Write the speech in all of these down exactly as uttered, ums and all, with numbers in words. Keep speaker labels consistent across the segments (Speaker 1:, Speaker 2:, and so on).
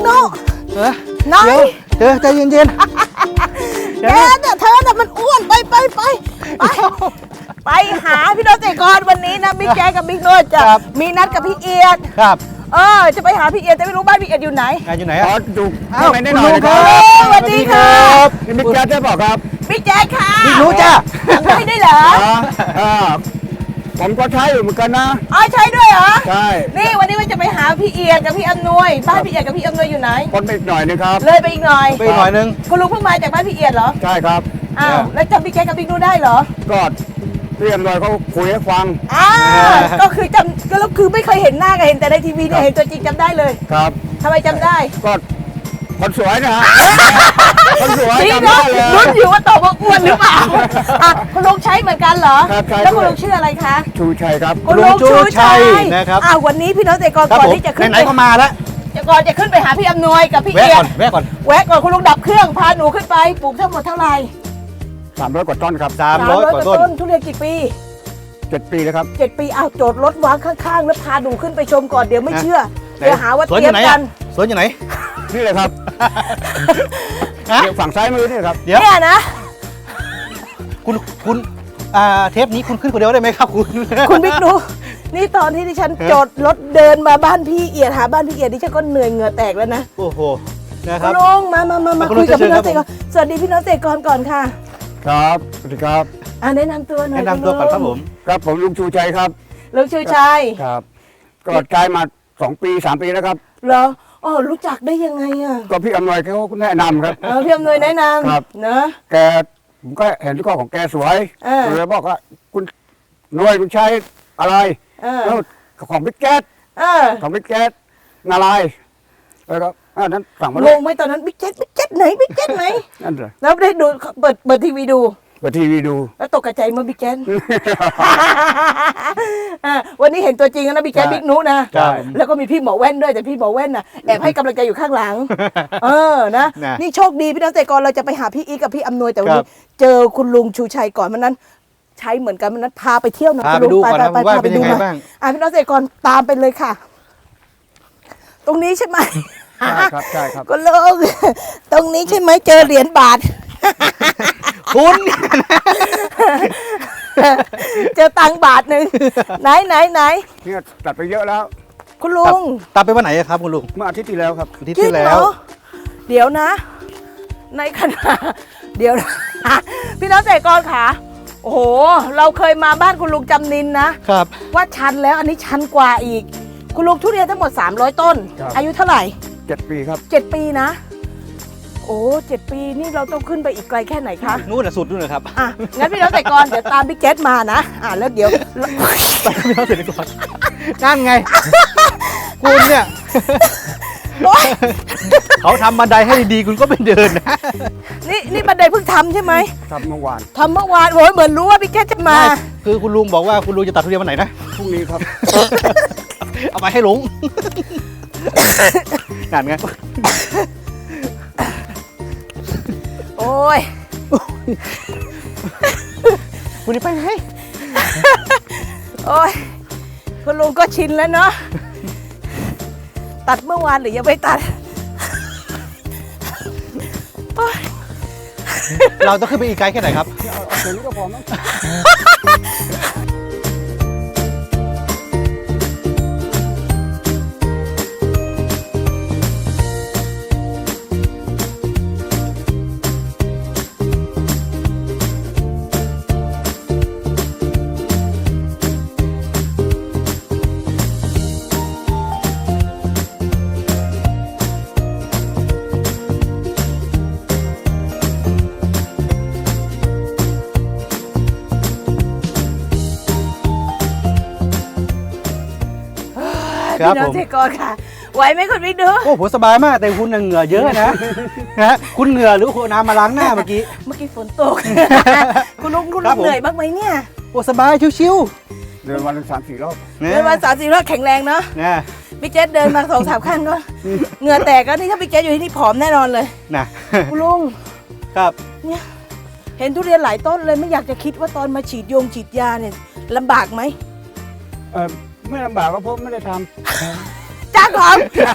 Speaker 1: โน่เออน้อยเธอใจเย็นๆแกเนี่ยเธอน่ะมันอ้วนไปไปไปไปไปหาพี่โน้ตเตะกรวันนี้นะบิ๊กแจ๊กับบิ๊กโน้ตจะมีนัดกับพี่เอียดครับเออจะไปหาพี่เอียดแต่ไม่รู้บ้านพี่เอียดอยู่ไหนอยู่ไหนอ่ะอยู่ข้างในได้หน่อยครับสวัสดีครับบิ๊กแจ๊ได้บอกครับบิ๊กแจ๊ค่ะบิ๊กรู้จ้ะไม่ได้เหรอผมก็ใช้อยู่เหมือนกันนะอ๋อใช้ด้วยเหรอใช่นี่วันนี้ว่าจะไปหาพี่เอียดกับพี่อำนวยบ้านพี่เอียดกับพี่อำนวยอยู่ไหนคนไปอีกหน่อยนึงครับเลยไปอีกหน่อยไปอีกหน่อยนึงคุณลุงเพิ่งมาจากบ้านพี่เอียดเหรอใช่ครับอ้าวแล้วจำพี่แจ๊กับบิ๊กนู้ได้เหรอก็พี่อำนวยเขาคุยให้ฟังอ่าก็คือจำก็คือไม่เคยเห็นหน้ากันเห็นแต่ในทีวีเนี่ยเห็นตัวจริงจำได้เลยครับทำไมจำได้ก็คนสวยนะฮะคนสวยจำได้เลยรุ่นอยู่ว่าโตว่าอ้วนหรือเปล่าคุณลุงใช้เหมือนกันเหรอแล้วคุณลุงชื่ออะไรคะชูชัยครับคุณลุงชูชัยนะครับอ่าวันนี้พี่น้องเตะกรก่อนที่จะขึ้นไหนก็มาแล้วจะก่อนจะขึ้นไปหาพี่อำนวยกับพี่เอียดแวะก่อนแวะก่อนคุณลุงดับเครื่องพาหนูขึ้นไปปลูกทั้งหมดเท่าไหร่สามร้อยกว่าต้นครับสามร้อยกว่าต้นทุเรียนกี่ปีเจ็ดปีแล้วครับเจ็ดปีเอาโจทย์รถวางข้างๆแล้วพาหนูขึ้นไปชมก่อนเดี๋ยวไม่เชื่อเดี๋ยวหาว่าเตรียมกันสวนอยู่ไหนนี่เลยครับเดี๋ยวฝั่งซ้ายมือนี่ครับเดี๋ยวเนี่ยนะคุณคุณอ่าเทปนี้คุณขึ้นคนเดียวได้ไหมครับคุณคุณบิ๊กดูนี่ตอนที่ดิฉันจอดรถเดินมาบ้านพี่เอียดหาบ้านพี่เอียดดิฉันก็เหนื่อยเหงื่อแตกแล้วนะโอ้โหนะครับลุงมามามามาคุยกับพี่น้องเตะก่อนสวัสดีพี่น้องเตะก่อนก่อนค่ะครับสวัสดีครับอ่าแนะนำตัวหน่อยแนะนำตัวก่อนครับผมครับผมลุงชูชัยครับลุงชูชัยครับก็กลายมาสองปีสามปีแล้วครับเหรออ๋อรู้จักได้ยังไงอ่ะก็พี่อำนวยเขาแนะนำครับเออพี่อำนวยแนะนำครับเนอะแกผมก็เห็นข้อของแกสวยเลยบอกว่าคุณหน่วยคุณใช้อะไรแล้วของบิ๊กแจ๊ดของบิ๊กแจ๊ดอะไรแล้วก็นั้นสั่งมาลงไหมตอนนั้นบิ๊กแจ๊ดบิ๊กแจ๊ดไหนบิ๊กแจ๊ดไหนนั่นเลยแล้วได้ดูเปิดเปิดทีวีดูเปิดทีวีดูแล้วตกใจมาบิ๊กแจ๊ดวันนี้เห็นตัวจริงนะบิ๊กแจ๊ดบิ๊กนุนะแล้วก็มีพี่หมอแว่นด้วยแต่พี่หมอแว่นน่ะแอบให้กำลังใจอยู่ข้างหลังเออนะนี่โชคดีพี่น้องเตะกรเราจะไปหาพี่อีกับพี่อำนวยแต่วันนี้เจอคุณลุงชูชัยก่อนมันนั้นใช้เหมือนกันมันนั้นพาไปเที่ยวนะคุณลุงไปไปไปไปดูหน่อยอ่ะพี่น้องเตะกรตามไปเลยค่ะตรงนี้ใช่ไหมใช่ครับใช่ครับก็ลุงตรงนี้ใช่ไหมเจอเหรียญบาทคุณเจอตังบาทหนึ่งไหนไหนไหนเนี่ยตัดไปเยอะแล้วคุณลุงตัดไปวันไหนครับคุณลุงเมื่ออาทิตย์ที่แล้วครับอาทิตย์ที่แล้วเดี๋ยวนะในขณะเดี๋ยวนะพี่น้องเตะกรค่ะโอ้โหเราเคยมาบ้านคุณลุงจำนินนะครับว่าชันแล้วอันนี้ชันกว่าอีกคุณลุงทุเรียนทั้งหมดสามร้อยต้นอายุเท่าไหร่เจ็ดปีครับเจ็ดปีนะโอ้เจ็ดปีนี่เราต้องขึ้นไปอีกไกลแค่ไหนคะนู่นน่ะสุดนู่นเลยครับอ่ะงั้นพี่น้องเตะกรเดี๋ยวตามพี่แจ๊ดมานะอ่ะแล้วเดี๋ยวไปพี่น้องเตะกรนั่นไงคุณเนี่ยเขาทำบันไดให้ดีๆคุณก็ไม่เดินนะนี่นี่บันไดเพิ่งทำใช่ไหมทำเมื่อวานทำเมื่อวานโอ้ยเหมือนรู้ว่าพี่แจ๊ดจะมาคือคุณลุงบอกว่าคุณลุงจะตัดทุเรียนวันไหนนะพรุ่งนี้ครับเอาไปให้ลุงนั่นไงโอ้ยคุณนี่ไปไหนโอ้ยคุณลุงก็ชินแล้วเนาะตัดเมื่อวานหรือยังไม่ตัดเราต้องขึ้นไปอีกไกลแค่ไหนครับเอาเดี๋ยวนี้ก็พอมั้งพี่น้องเตะกรค่ะไหวไหมคุณบิ๊กดูโอ้ผมสบายมากแต่คุณเหงื่อเยอะนะฮะคุณเหงื่อหรือคุณน้ำมาล้างหน้าเมื่อกี้เมื่อกี้ฝนตกคุณลุงคุณลุงเหนื่อยบ้างไหมเนี่ยโอ้สบายชิวๆเดินวันสามสี่รอบเดินวันสามสี่รอบแข็งแรงเนาะบิ๊กแจ๊ดเดินมาสองสามขั้นก็เหงื่อแตกแล้วนี่ถ้าบิ๊กแจ๊ดอยู่ที่นี่ผอมแน่นอนเลยนะคุณลุงครับเนี่ยเห็นทุเรียนหลายต้นเลยไม่อยากจะคิดว่าตอนมาฉีดยงฉีดยาเนี่ยลำบากไหมเออไม่ลำบากก็เพราะไม่ได้ทำจ้างเขา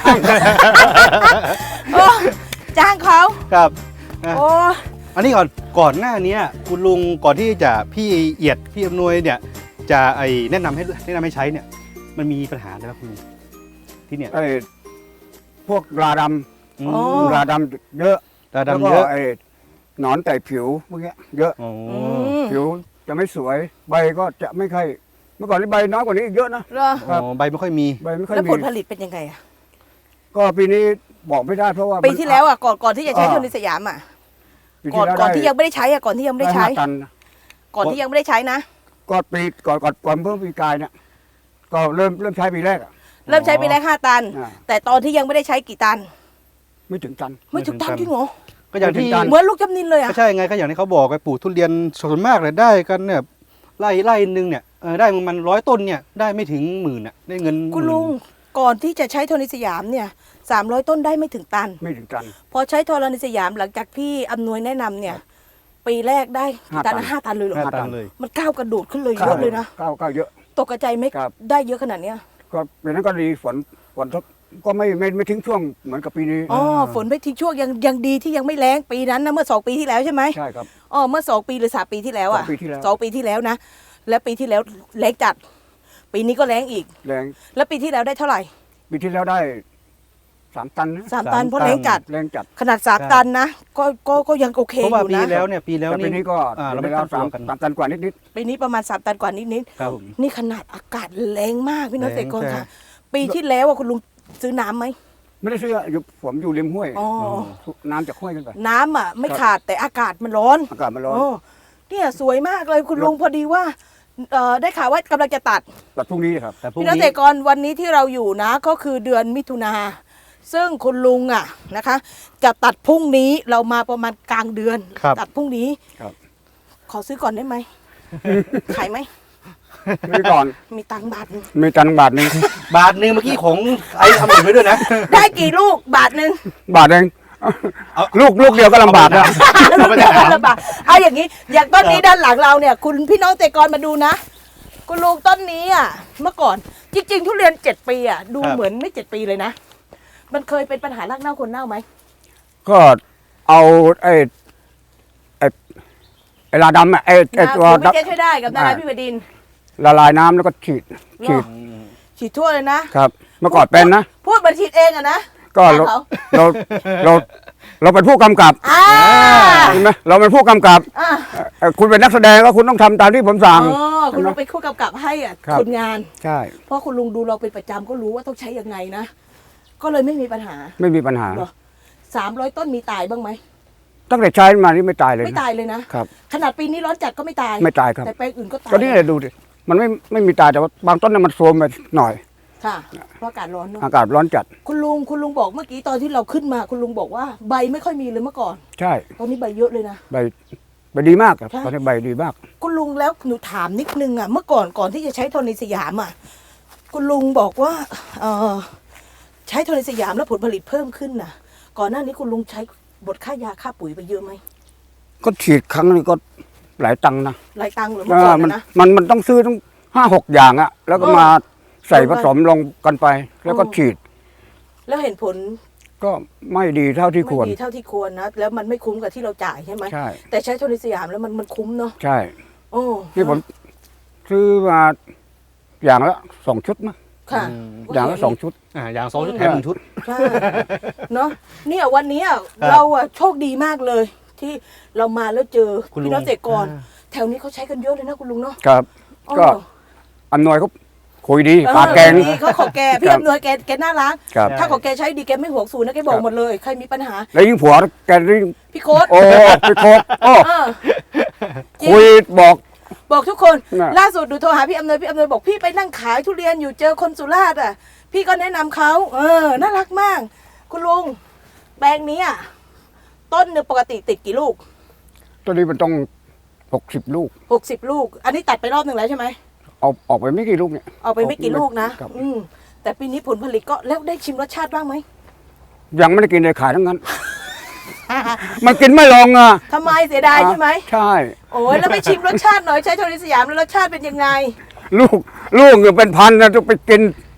Speaker 1: โอ้จ้างเขา
Speaker 2: ครับ
Speaker 1: โอ้
Speaker 2: อันนี้ก่อนก่อนหน้านี้คุณลุงก่อนที่จะพี่เอียดพี่อำนวยเนี่ยจะไอแนะนำให้แนะนำให้ใช้เนี่ยมันมีปัญหาอะไรบ้างคุณลุงที่เนี่ย
Speaker 3: ไอ้พวกราด
Speaker 2: อืม
Speaker 3: ำราดำเยอะ
Speaker 2: ตา
Speaker 3: แล้ว
Speaker 2: ดำ
Speaker 3: ก็
Speaker 2: เยอะ
Speaker 3: ไอ้หนอนแต่ผิวพวกเนี้ยเยอะ
Speaker 2: อ๋อ
Speaker 1: อืม
Speaker 3: ผิวจะไม่สวยใบก็จะไม่ค่อยเมื่อก่อนนี่ใบน้อยกว่านี้อีกเยอะนะ
Speaker 1: เหรอ
Speaker 3: ครับ
Speaker 2: อ๋อใบไม่ค่อยมี
Speaker 3: ใบไม่ค่อย
Speaker 1: แล้ว
Speaker 3: มี
Speaker 1: ผลผลิตเป็นยังไงอะ
Speaker 3: ก็ปีนี้บอกไม่ได้เพราะว่า
Speaker 1: ปีที่แล้วอะก่อนก่อนที่จะใช้
Speaker 3: อ่า
Speaker 1: โทนิสยามอะ
Speaker 3: ปี
Speaker 1: ก่อน
Speaker 3: แล้ว
Speaker 1: ก่อนที่
Speaker 3: ได้
Speaker 1: ยังไม่ได้ใช้อะก่อนที่ยังไม่ได้ใช้
Speaker 3: ห้าตันนะ
Speaker 1: ก่อนที่ยังไม่ได้ใช้นะ
Speaker 3: ก็ปีก่อนก่อนก่อนเพิ่มปีกายเนี่ยก็เริ่มเริ่มใช้ปีแรกอะ
Speaker 1: เริ่มใช้ไปได้ห้าตัน
Speaker 3: อ่า
Speaker 1: แต่ตอนที่ยังไม่ได้ใช้กี่ตัน
Speaker 3: ไม่ถึงตัน
Speaker 1: ไม่ถึงตันจริงเหรอ
Speaker 2: ก็อย่างที่
Speaker 3: ไม่ถึงตัน
Speaker 1: เหมือนลูกจำนินเลยอะ
Speaker 2: ก็ใช่ไงก็อย่างที่เขาบอกไอ้ปลูกทุเรียนส่วนมากเลยได้กันเนี่ยไร่ไร่หนึ่งเนี่ยเออได้มันร้อยต้นเนี่ยได้ไม่ถึงหมื่นอ่ะได้เงิน
Speaker 1: คุณลุงก่อนที่จะใช้โทนิสยามเนี่ยสามร้อยต้นได้ไม่ถึงตัน
Speaker 3: ไม่ถึงตัน
Speaker 1: พอใช้โทนิสยามหลังจากพี่อำนวยแนะนำเนี่ย ปีแรกได้
Speaker 3: ห้า
Speaker 1: ตัน
Speaker 3: ตัน
Speaker 1: ห้าตันเลยเหรอ
Speaker 2: ห้าตันเลย
Speaker 1: มันก้าวกระโดดขึ้นเลยเยอะเลยนะ
Speaker 3: ก้าวก้าวเยอะ
Speaker 1: ตกกระใจไหม่
Speaker 3: ครับ
Speaker 1: ได้เยอะขนาดเนี้ย
Speaker 3: ก็ปีนั้นก็ดีฝนฝนก็ไม่ไม่ไม่ทิ้งช่วงเหมือนกับปีนี้
Speaker 1: อ๋อฝนไม่ทิ้งช่วงยังยังดีที่ยังไม่แรงปีนั้นนะเมื่อสองปีที่แล้วใช่ไหม
Speaker 3: ใช่ครับ
Speaker 1: อ๋อเมื่อสองปีหรือสามปีที่แล้วอ่ะ
Speaker 3: สองปีที่แล้ว
Speaker 1: สองปีที่แล้วนะแล้วปีที่แล้วแรงจัด ปีนี้ก็แรงอีก
Speaker 3: แรง
Speaker 1: แล้วปีที่แล้วได้เท่าไหร่
Speaker 3: ปีที่แล้วได้สามตันนะ
Speaker 1: สามตันเพราะแรงจัด
Speaker 3: แรงจัด
Speaker 1: ขนาดสามตันนะก็ก็ก็ยังโอเค
Speaker 2: เพราะ
Speaker 1: อ
Speaker 2: ว่า
Speaker 1: ยู่
Speaker 2: ปี
Speaker 1: นะ
Speaker 2: แล้วเนี่ยปีแล้ว
Speaker 3: แต่ปี
Speaker 2: นี่
Speaker 3: นี้ก็
Speaker 2: อ่าเรา
Speaker 3: เรา
Speaker 2: ไม่
Speaker 3: ไม่
Speaker 2: ตั้
Speaker 3: ได้
Speaker 2: ง
Speaker 3: สาม
Speaker 2: ตัวกัน
Speaker 3: สามตันกว่านิดนิด
Speaker 1: ปีนี้ประมาณสามตันกว่านิด
Speaker 2: ครับผม
Speaker 1: ๆนี่ขนาดอากาศแรงมากพี่น้อง
Speaker 2: แร
Speaker 1: เก
Speaker 2: ง
Speaker 1: ษตรกร
Speaker 2: ใช่
Speaker 1: ค่ะ ปีที่แล้วอ่ะคุณลุงซื้อน้ำไหม
Speaker 3: ๆไม่ได้ซื้ออยู่ผมอยู่ริมห้วย
Speaker 1: อ๋อ
Speaker 3: น้ำจากห้วยขึ้นไป
Speaker 1: น้ำอ่ะไม่
Speaker 3: ครับ
Speaker 1: ขาดแต่อากาศมันร้อน
Speaker 3: อากาศมันร้อน
Speaker 1: โอ้เนี่ยสวยมากเลยคุณลุงพอดีว่าเอ่อได้ข่าวว่ากำลังจะตัด
Speaker 3: แต่พรุ่งนี้ครับ
Speaker 2: แต่พรุ่ง
Speaker 1: พี่น้อง
Speaker 2: นี้
Speaker 1: เกษตรกรวันนี้ที่เราอยู่นะก็คือเดือนมิถุนาซึ่งคุณลุงอ่ะนะคะ จะตัดพรุ่งนี้เรามาประมาณกลางเดือน
Speaker 2: ครับ
Speaker 1: ตัดพรุ่งนี้
Speaker 3: ครับ
Speaker 1: ขอซื้อก่อนได้ไหม ขายไหม
Speaker 3: นี่ก่อน
Speaker 1: มีตังค์บาทหนึ่ง
Speaker 3: มีตันบาทหนึ่ง
Speaker 2: บาทหนึ่งเมื่อกี้ของไอ้ทำหนึ่งไว้ด้วยนะ
Speaker 1: ได้กี่ลูกบาทหนึ่ง
Speaker 3: บาทเอง
Speaker 2: เอา
Speaker 3: ลูกลูกเดียวก็ลำบากแล้ว
Speaker 2: เอาไปถาม
Speaker 1: ลำบากเอาอย่างนี้ อย่างต้นนี้ด้านหลังเราเนี่ย คุณพี่น้องเกษตรกรมาดูนะ คุณลุงต้นนี้อ่ะ เมื่อก่อน จริง ๆ ทุเรียนเจ็ดปีอ่ะ ดู
Speaker 2: ครับ
Speaker 1: เหมือนไม่เจ็ดปีเลยนะ มันเคยเป็นปัญหารากเน่าคนเน่าไหม
Speaker 3: ก็เอาไอ้ไอ้ไอ้ลาดำอะไอ้ไอ้
Speaker 1: นะ
Speaker 3: ตัว
Speaker 1: คุณไม่เจ๊ช่วยได้กับดารา
Speaker 3: อ่า
Speaker 1: พี่บดินทร์
Speaker 3: ละลายน้ำแล้วก็ฉีดฉีด
Speaker 1: ฉีดทั่วเลยนะ
Speaker 3: ครับ เมื่อก่อนเป็นนะ
Speaker 1: พูดเหมือนฉีดเองอะนะ
Speaker 3: ก็เรา
Speaker 1: เขา
Speaker 3: เราเราเราเป็นผู้กำกับ
Speaker 1: อ่า
Speaker 3: ใช่ไหมเราเป็นผู้กำกับ
Speaker 1: อ่า
Speaker 3: เอ่อคุณเป็นนักแสดงก็คุณต้องทำตามที่ผมสั่ง
Speaker 1: อ๋อคุณลุงเป็นคู่กำกับให้อ่ะ
Speaker 3: ครับ
Speaker 1: คนงาน
Speaker 3: ใช่
Speaker 1: เพราะคุณลุงดูเราเป็นประจำก็รู้ว่าต้องใช้ยังไงนะ ก็เลยไม่มีปัญหา
Speaker 3: ไม่มีปัญหา
Speaker 1: เหรอ สามร้อยต้นมีตายบ้างไหม
Speaker 3: ตั้งแต่ใช้มานี่ไม่ตายเลย
Speaker 1: ไม่
Speaker 3: นะ
Speaker 1: ตายเลยนะ
Speaker 3: ครับ
Speaker 1: ขนาดปีนี้ร้อนจัดก็ไม่ตาย
Speaker 3: ไม่ตายครับ
Speaker 1: แต่แปลงอื่นก็ตาย
Speaker 3: ก็นี่เลยดูดิมันไม่ไม่มีตายแต่ว่าบางต้นเนี่ยมันโทรมไปหน่อย
Speaker 1: ค่ะ เพราะอากาศร้อนเนอะ
Speaker 3: อากาศร้อนจัด
Speaker 1: คุณลุงคุณลุงบอกเมื่อกี้ตอนที่เราขึ้นมา คุณลุงบอกว่าใบไม่ค่อยมีเลยเมื่อก่อน
Speaker 3: ใช่
Speaker 1: ตอนนี้ใบเยอะเลยนะ
Speaker 3: ใบใบดีมากครับ
Speaker 1: ใช่
Speaker 3: ตอนนี้ใบดีมาก
Speaker 1: คุณลุงแล้วหนูถามนิดนึงอ่ะ เมื่อก่อนก่อนที่จะใช้โทนิสยามอ่ะ คุณลุงบอกว่า เออใช้โทนิสยามแล้วผลผลิตเพิ่มขึ้นน่ะ ก่อนหน้านี้คุณลุงใช้บทค่ายาค่าปุ๋ยไปเยอะไหม
Speaker 3: ก็ฉีดครั้งนึงก็หลายตังค์นะ
Speaker 1: หลายตังค์เหรือเมื่อก่อน
Speaker 3: มัน
Speaker 1: นะ
Speaker 3: มันมันต้องซื้อต้องห้าหกอย่างอะแล้วก็
Speaker 1: เออ
Speaker 3: มาใส่
Speaker 1: ลงไป
Speaker 3: ผสมลงกันไป แล้วก็
Speaker 1: เออ
Speaker 3: ฉีด
Speaker 1: แล้วเห็นผล
Speaker 3: ก็ไม่ดีเท่าที่
Speaker 1: ไม่
Speaker 3: ควร
Speaker 1: ดีเท่าที่ควรนะ แล้วมันไม่คุ้มกับที่เราจ่ายใช่ไหม
Speaker 3: ใช่
Speaker 1: แต่ใช้โทนิสยามแล้วมันมันคุ้มเนาะ
Speaker 3: ใช่
Speaker 1: โอ้
Speaker 3: นี่ผมซื้อมาอย่างละสองชุดมั้ง
Speaker 1: ค่ะ
Speaker 3: อย่างละสองชุด
Speaker 2: อ่าอย่างสองชุดแถมหนึ่งชุด
Speaker 1: ใช่เนาะเนี่ยวันนี้อะ
Speaker 2: ครับ
Speaker 1: เราอะโชคดีมากเลย ที่เรามาแล้วเจอ
Speaker 2: คุณลุง
Speaker 1: พี่น้องเกษตรกร
Speaker 2: อ่า
Speaker 1: แถวนี้เขาใช้กันเยอะเลยนะคุณลุงเนาะ
Speaker 3: ครับ
Speaker 1: อ๋อ
Speaker 3: ก็อำนวยเขาคุยดี
Speaker 1: เออ
Speaker 3: ปากแกง
Speaker 1: ดีเขาขอแกพี่
Speaker 3: ครับ
Speaker 1: อำนวยแกแกน่ารัก
Speaker 3: ครับ
Speaker 1: ถ้าขอแกใช้ดีแกไม่ห่วงสูนย์นะแกบอ
Speaker 3: ค
Speaker 1: ก
Speaker 3: รับ
Speaker 1: หมดเลยใครมีปัญหา
Speaker 3: แล้วยิ่งผัวแกยิ่ง
Speaker 1: พี่โค้ด
Speaker 3: โอ้ไปโคกโอ้
Speaker 1: เออจริง
Speaker 3: คุยบอก
Speaker 1: บอกทุกคน
Speaker 3: น่ะ
Speaker 1: ล่าสุดดูโทรหาพี่อำนวยพี่อำนวยบอกพี่ไปนั่งขายทุเรียนอยู่เจอคนสุราษฎร์อ่ะ พี่ก็แนะนำเขาเออน่ารักมาก คุณลุงแปลงนี้อ่ะต้นหนึ่งปกติติดกี่ลูก
Speaker 3: ตัวนี้มันต้องหกสิบลูก
Speaker 1: หกสิบลูก อันนี้ตัดไปรอบหนึ่งแล้วใช่ไหม
Speaker 3: เอาออกไปไม่กี่ลูกเนี่ย
Speaker 1: เอาไปไม่กี่ลูกนะครับ อืมแต่ปีนี้ผลผลิตก็แล้วได้ชิมรสชาติบ้างไหม
Speaker 3: ยังไม่ได้กินเลยขายทั้งนั้น มันกินไม่ลงอ่ะ
Speaker 1: ทำไมเสียดายใช่ไหม
Speaker 3: ใช่
Speaker 1: โอ้ยแล้วไปชิมรสชาติหน่อยใช้โทนิสยามแล้วรสชาติเป็นยังไง
Speaker 3: ลูกลูกเนี่ยเป็นพันนะต้องไปกิน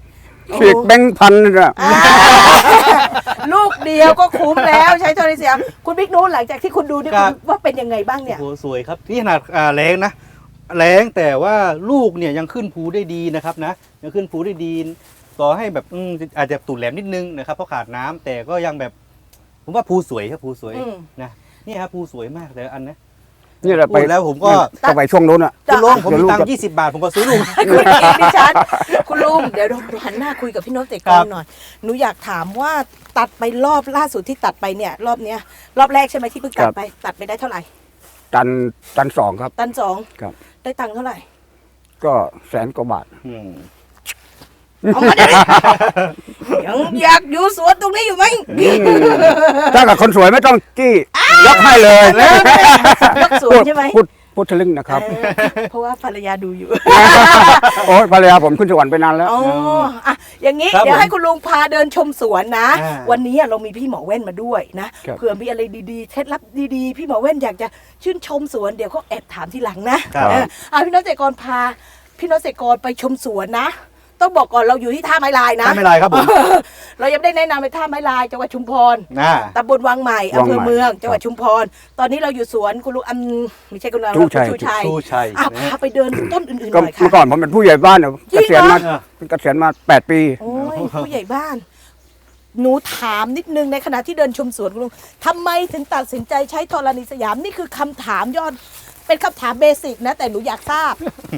Speaker 3: ฉีกแบงค์พันนี่นะ
Speaker 1: อ่าลูกเดียวก็คุ้มแล้วใช้โทรศัพท์คุณบิ๊กนู้นหลังจากที่คุณดูเนี่ย
Speaker 2: ครับ
Speaker 1: คุณว่าเป็นยังไงบ้างเนี่ย
Speaker 2: โอ้โหสวยครับนี่ขนาดอ่าแรงนะแรงแต่ว่าลูกเนี่ยยังขึ้นภูได้ดีนะครับนะยังขึ้นภูได้ดีต่อให้แบบอืมอาจจะตูดแหลมนิดนึงนะครับเพราะขาดน้ำแต่ก็ยังแบบผมว่าภูสวยครับภูสวย
Speaker 1: อืม
Speaker 2: นะนี่ครับภูสวยมากแต่ละอันนะ
Speaker 3: นี่แหละ
Speaker 2: พู
Speaker 3: ไป
Speaker 2: ดแล้วผมก็
Speaker 3: ก็ไปช่วงนู้นอ่ะ
Speaker 2: คุณลุงผม
Speaker 3: เดี๋ยว
Speaker 2: มี
Speaker 3: ลูก
Speaker 2: ตัง
Speaker 3: จะ
Speaker 2: ค์ยี่สิบบาทผมก็ซื้อลุง
Speaker 1: คุณเอกดิฉันคุณลุงเดี๋ยวเราหันหน้าคุยกับพี่โน้ตเตะก
Speaker 2: ครั
Speaker 1: อบ นหน่อยหนูอยากถามว่าตัดไปรอบล่าสุดที่ตัดไปเนี่ย รอบเนี้ยรอบแรกใช่ไหมที่เพิ่งตัดไป ตัดไปได้เท่าไหร่
Speaker 3: ตันตันสองครับ
Speaker 1: ตันสอง
Speaker 3: ครับ
Speaker 1: ได้ตังค์เท่าไหร่
Speaker 3: ก็แสนกว่าบาท
Speaker 2: อืม
Speaker 1: เอามาเดี๋ยวนี้ยังอยากอยู่สวนตรงนี้อยู่ไหม
Speaker 3: ถ้ากับคนสวยไม่ต้องจี้ยกให้เลย
Speaker 1: ยกสวนใช่ไหม
Speaker 3: พูดพูดทะลึ่งนะครับ
Speaker 1: เออเพราะว่าภรรยาดูอยู่
Speaker 3: โอ้ยภรรยาผมขึ้นสวรรค์ไปนานแล้ว
Speaker 1: อ๋ออ่ะอย่างนี้
Speaker 2: ครับ
Speaker 1: เดี๋ยว
Speaker 2: ผม
Speaker 1: ให้คุณลุงพาเดินชมสวนนะ
Speaker 2: อ่า
Speaker 1: วันนี้อ่ะเรามีพี่หมอแว่นมาด้วยนะครับ เผื่อมีอะไรดีๆเคล็ดลับดีๆ พี่หมอแว่นอยากจะชื่นชมสวนเดี๋ยวเขาแอบถามทีหลังนะครับ เออเอาพี่น้องเกษตรกรพาพี่น้องเกษตรกรไปชมสวนนะ ต้องบอกก่อนเราอยู่ที่ท่าไม้ลายนะ
Speaker 2: ถ้าไม่ไรครับผม
Speaker 1: เรายังไม่ได้แนะนำไปท่าไม้ลายจังหวัดชุมพร
Speaker 2: อ่า
Speaker 1: ตำบลวังใหม่
Speaker 3: วั
Speaker 1: อำ
Speaker 3: ง
Speaker 1: เภ
Speaker 3: ใหม่
Speaker 1: อเมืองจังหวัด
Speaker 3: ครับ
Speaker 1: ชุมพร ตอนนี้เราอยู่สวนคุณลุงอันไม่ใช่คุณลุง
Speaker 3: ชูชัย
Speaker 1: ชูชัย
Speaker 2: ชูชัย
Speaker 1: อ่ะ
Speaker 2: นะ
Speaker 1: พาไปเดินต้นอื่นๆห
Speaker 3: ก็
Speaker 1: น่อย
Speaker 3: เมื่อ
Speaker 1: ค่ะ
Speaker 3: ก่อนผมเป็นผู้ใหญ่บ้านเนี่ย
Speaker 1: จริ
Speaker 3: เก
Speaker 1: งเหรอ
Speaker 3: ษียณมาเกษียณมาแปดปี
Speaker 1: โอ้ยผู้ใหญ่บ้าน หนูถามนิดนึงในขณะที่เดินชมสวนคุณลุงทำไมถึงตัดสินใจใช้ธรณีสยามนี่คือคำถามยอด เป็นคำถามเบสิกนะ แต่หนูอยากทราบ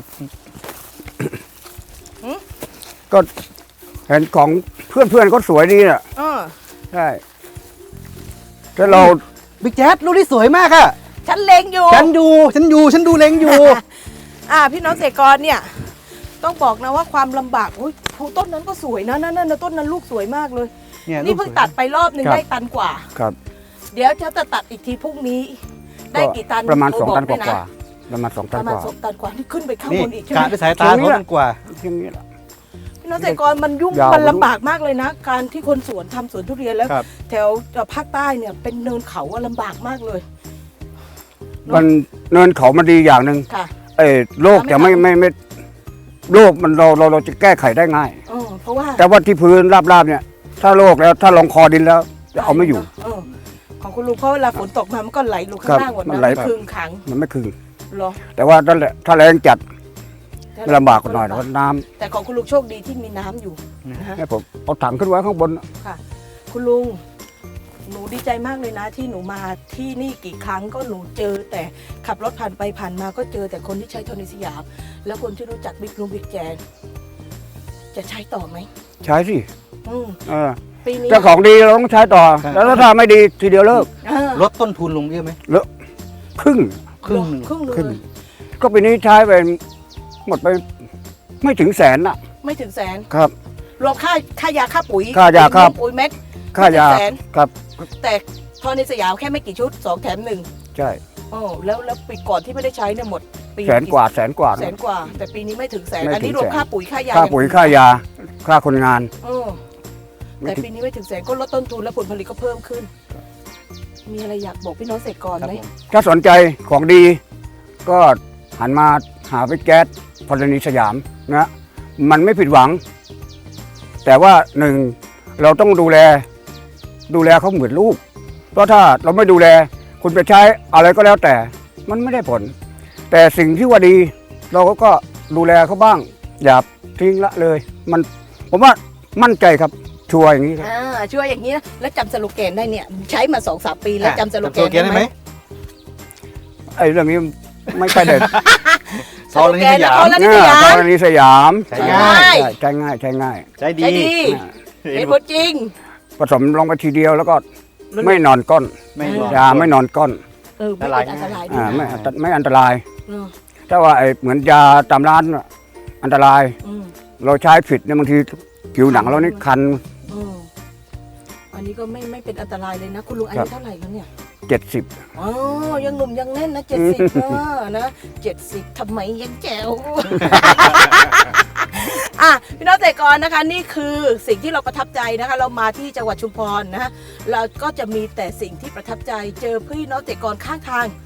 Speaker 3: ก็เห็นของเพื่อนเพื่อนๆก็สวยดีน่ะ
Speaker 1: เออ
Speaker 3: ใช่ถ้าเรา
Speaker 2: บิ๊กแจ๊ดลูกที่สวยมากอะ
Speaker 1: ฉันเลงอยู่
Speaker 2: ฉันอยู่ฉันอยู่ฉันดูเล็งอยู่
Speaker 1: อ่าพี่น้องเกษตรกรเนี่ย ต้องบอกนะว่าความลำบากอุ้ยภูต้นนั้นก็สวยนะนั่นนั่นต้นนั้นลูกสวยมากเลย
Speaker 2: เนี่ย
Speaker 1: นี่เพิ่งตัดไปรอบหนึ่งได้ตันกว่า
Speaker 3: ครับ
Speaker 1: เดี๋ยวจะตัดอีกทีพรุ่งนี้ ได้กี่ตัน
Speaker 3: ประมาณ
Speaker 1: โท
Speaker 3: สอง
Speaker 1: บ
Speaker 3: ตันก
Speaker 1: ด้วยะ
Speaker 3: ว่าๆประมาณสอง
Speaker 1: ป
Speaker 3: ตัน
Speaker 1: ระ
Speaker 3: ก
Speaker 1: มาณ
Speaker 3: ว่า
Speaker 1: สองตันกว่านี่ขึ้นไปข้าง
Speaker 2: นี่
Speaker 1: บนอีกใช่ไห
Speaker 2: กะ
Speaker 1: ม
Speaker 2: ด้วยสายตาเขามันกว่า
Speaker 3: อย่างนี้แหละ
Speaker 1: พี่น้องเกษตรกรมันยุ่ง
Speaker 3: ยาว
Speaker 1: มันลำบากมากเลยนะ การที่คนสวนทำสวนทุเรียนแล้ว
Speaker 2: ครับ
Speaker 1: แถวภาคใต้เนี่ยเป็นเนินเขาอะลำบากมากเลย
Speaker 3: มันเนินเขามันดีอย่างหนึ่ง
Speaker 1: ค่ะ
Speaker 3: เอ้ยโรคจะไม่ไม่ไม่โรคมันเราเราเราจะแก้ไขได้ง่าย
Speaker 1: เออเพราะว่า
Speaker 3: แต่ว่าที่พื้นราบๆเนี่ย ถ้าโรคแล้วถ้าลงคอดินแล้วจะเอาไม่อยู่
Speaker 1: เออของคุณลุงเพราะเวลาฝนตกมามันก็ไหลลงข้างล่างหมด
Speaker 3: ครับมัน
Speaker 1: นะ
Speaker 3: ไหล
Speaker 1: คึงขัง
Speaker 3: มันไม่คืน
Speaker 1: เหรอ
Speaker 3: แต่ว่าถ้าถ้าแรงจัดลำบากกว่าหน่อยนะเพราะน้
Speaker 1: แต่ของคุณลุงโชคดีที่มีน้ำอยู่นะฮะ
Speaker 3: ำให้ผมเอาถังขึ้นไว้ข้างบน
Speaker 1: ค่ะ คุณลุงหนูดีใจมากเลยนะ ที่หนูมาที่นี่กี่ครั้งก็หนูเจอ แต่ขับรถผ่านไปผ่านมาก็เจอแต่คนที่ใช้โทนิสยาม แล้วคนที่รู้จักบิ๊กลุงบิ๊กแจนจะใช้ต่อไหม
Speaker 3: ใช้สิ
Speaker 1: อืม
Speaker 3: เออ
Speaker 1: ปีนี้
Speaker 3: ถ้าของดีเราต้องใช้ต่อ
Speaker 2: ครับ
Speaker 3: แล้วถ้าไม่ดีทีเดียวเลิก
Speaker 1: เออ
Speaker 2: ลดต้นทุนลงเยอะไหม
Speaker 3: ครึ่ง
Speaker 2: ครึ่งหนึ่ง
Speaker 1: ครึ่งเล
Speaker 3: ครึ่ง
Speaker 1: ย
Speaker 3: ก็ปีนี้ใช้ไปหมดไปไม่ถึงแสนน่ะ
Speaker 1: ไม่ถึงแสน
Speaker 3: ครับ
Speaker 1: รวมค่าค่ายาค่าปุ๋ย
Speaker 3: ค่ายาค่า
Speaker 1: ปุ๋ยเม็ด
Speaker 3: ค่ายา
Speaker 1: ไม่ถึงแสน
Speaker 3: ครับ
Speaker 1: แต่โทนิสยามแค่ไม่กี่ชุดสองแถมหนึ่ง
Speaker 3: ใช่
Speaker 1: โอ้แล้วแล้วปีก่อนที่ไม่ได้ใช้เนี่ยหมดปี
Speaker 3: แสนกว่าแสนกว่า
Speaker 1: แสนกว่า แต่ปีนี้ไม่ถึงแสน
Speaker 3: ไม่ถึง
Speaker 1: อันนี้รวม
Speaker 3: แสน
Speaker 1: ค่าปุ๋ยค่ายา
Speaker 3: ค่าปุ๋ยค่ายาค่าคนงาน
Speaker 1: เออแต่ปีนี้ไม่ถึงแสนก็ลดต้นทุนและผลผลิตก็เพิ่มขึ้น มีอะไรอยากบอกพี่น้องเกษตรกร
Speaker 2: ครับ
Speaker 1: ไหม
Speaker 2: ผม
Speaker 3: ถ้าสนใจของดี ก็หันมาหาไปแก๊สพลนีสยามนะมันไม่ผิดหวัง แต่ว่าหนึ่งเราต้องดูแล ดูแลเขาเหมือนลูก เพราะถ้าเราไม่ดูแล คุณไปใช้อะไรก็แล้วแต่ มันไม่ได้ผล แต่สิ่งที่ว่าดี เราก็ดูแลเขาบ้าง อย่าทิ้งละเลย มันผมว่ามั่นใจครับชัวร์อย่างนี้ครับ
Speaker 1: อ่าช่วยอย่างนี้นะแล้วจำสโลแกนได้เนี่ย ใช้มาสองสามปีแล้วจำสโลแกน
Speaker 2: จำ
Speaker 1: ได้ไหม
Speaker 3: ไอ้เรื่องนี้ไม่ค่อยเด็ด
Speaker 2: ซอลนี่สยาม
Speaker 1: ธรณีสยาม
Speaker 3: ธรณีสยาม
Speaker 2: ใช้ง่าย
Speaker 3: ใช้ง่ายใช้ง่าย
Speaker 2: ใช้ดี
Speaker 1: ใช้ดี
Speaker 3: อ่า
Speaker 1: เห็นผลจริง
Speaker 3: ผสมลงไปทีเดียวแล้วก็ไม่นอนก้อน
Speaker 2: ไม่รอ
Speaker 3: ยาไม่นอนก้อน
Speaker 1: เออไม่เป็นอันตรายด้ว
Speaker 3: อ่าย ไม่
Speaker 1: นะ
Speaker 3: อันตไม่อันตราย
Speaker 1: เออ
Speaker 3: ถ้าว่าไอ้เหมือนยาตามร้านน่ะอันตราย
Speaker 1: อืม
Speaker 3: เราใช้ผิดเนี่ยบางทีผิวหนังเรานี่คัน
Speaker 1: อืมอันนี้ก็ไม่ไม่เป็นอันตรายเลยนะ คุณลุงอา
Speaker 3: ครั
Speaker 1: ยุ
Speaker 3: บ
Speaker 1: เท่าไหร่แล้วเนี่ย
Speaker 3: เจ็ดสิบ
Speaker 1: อ๋อยังหนุ่มยังแน่นนะเจ็ดสิบเออนะเจ็ดสิบทำไมยังแจ๋ว อ่ะพี่น้องเกษตรกรนะคะ นี่คือสิ่งที่เราประทับใจนะคะ เรามาที่จังหวัดชุมพรนะฮะเราก็จะมีแต่สิ่งที่ประทับใจเจอพี่น้องเกษตรกรข้างทาง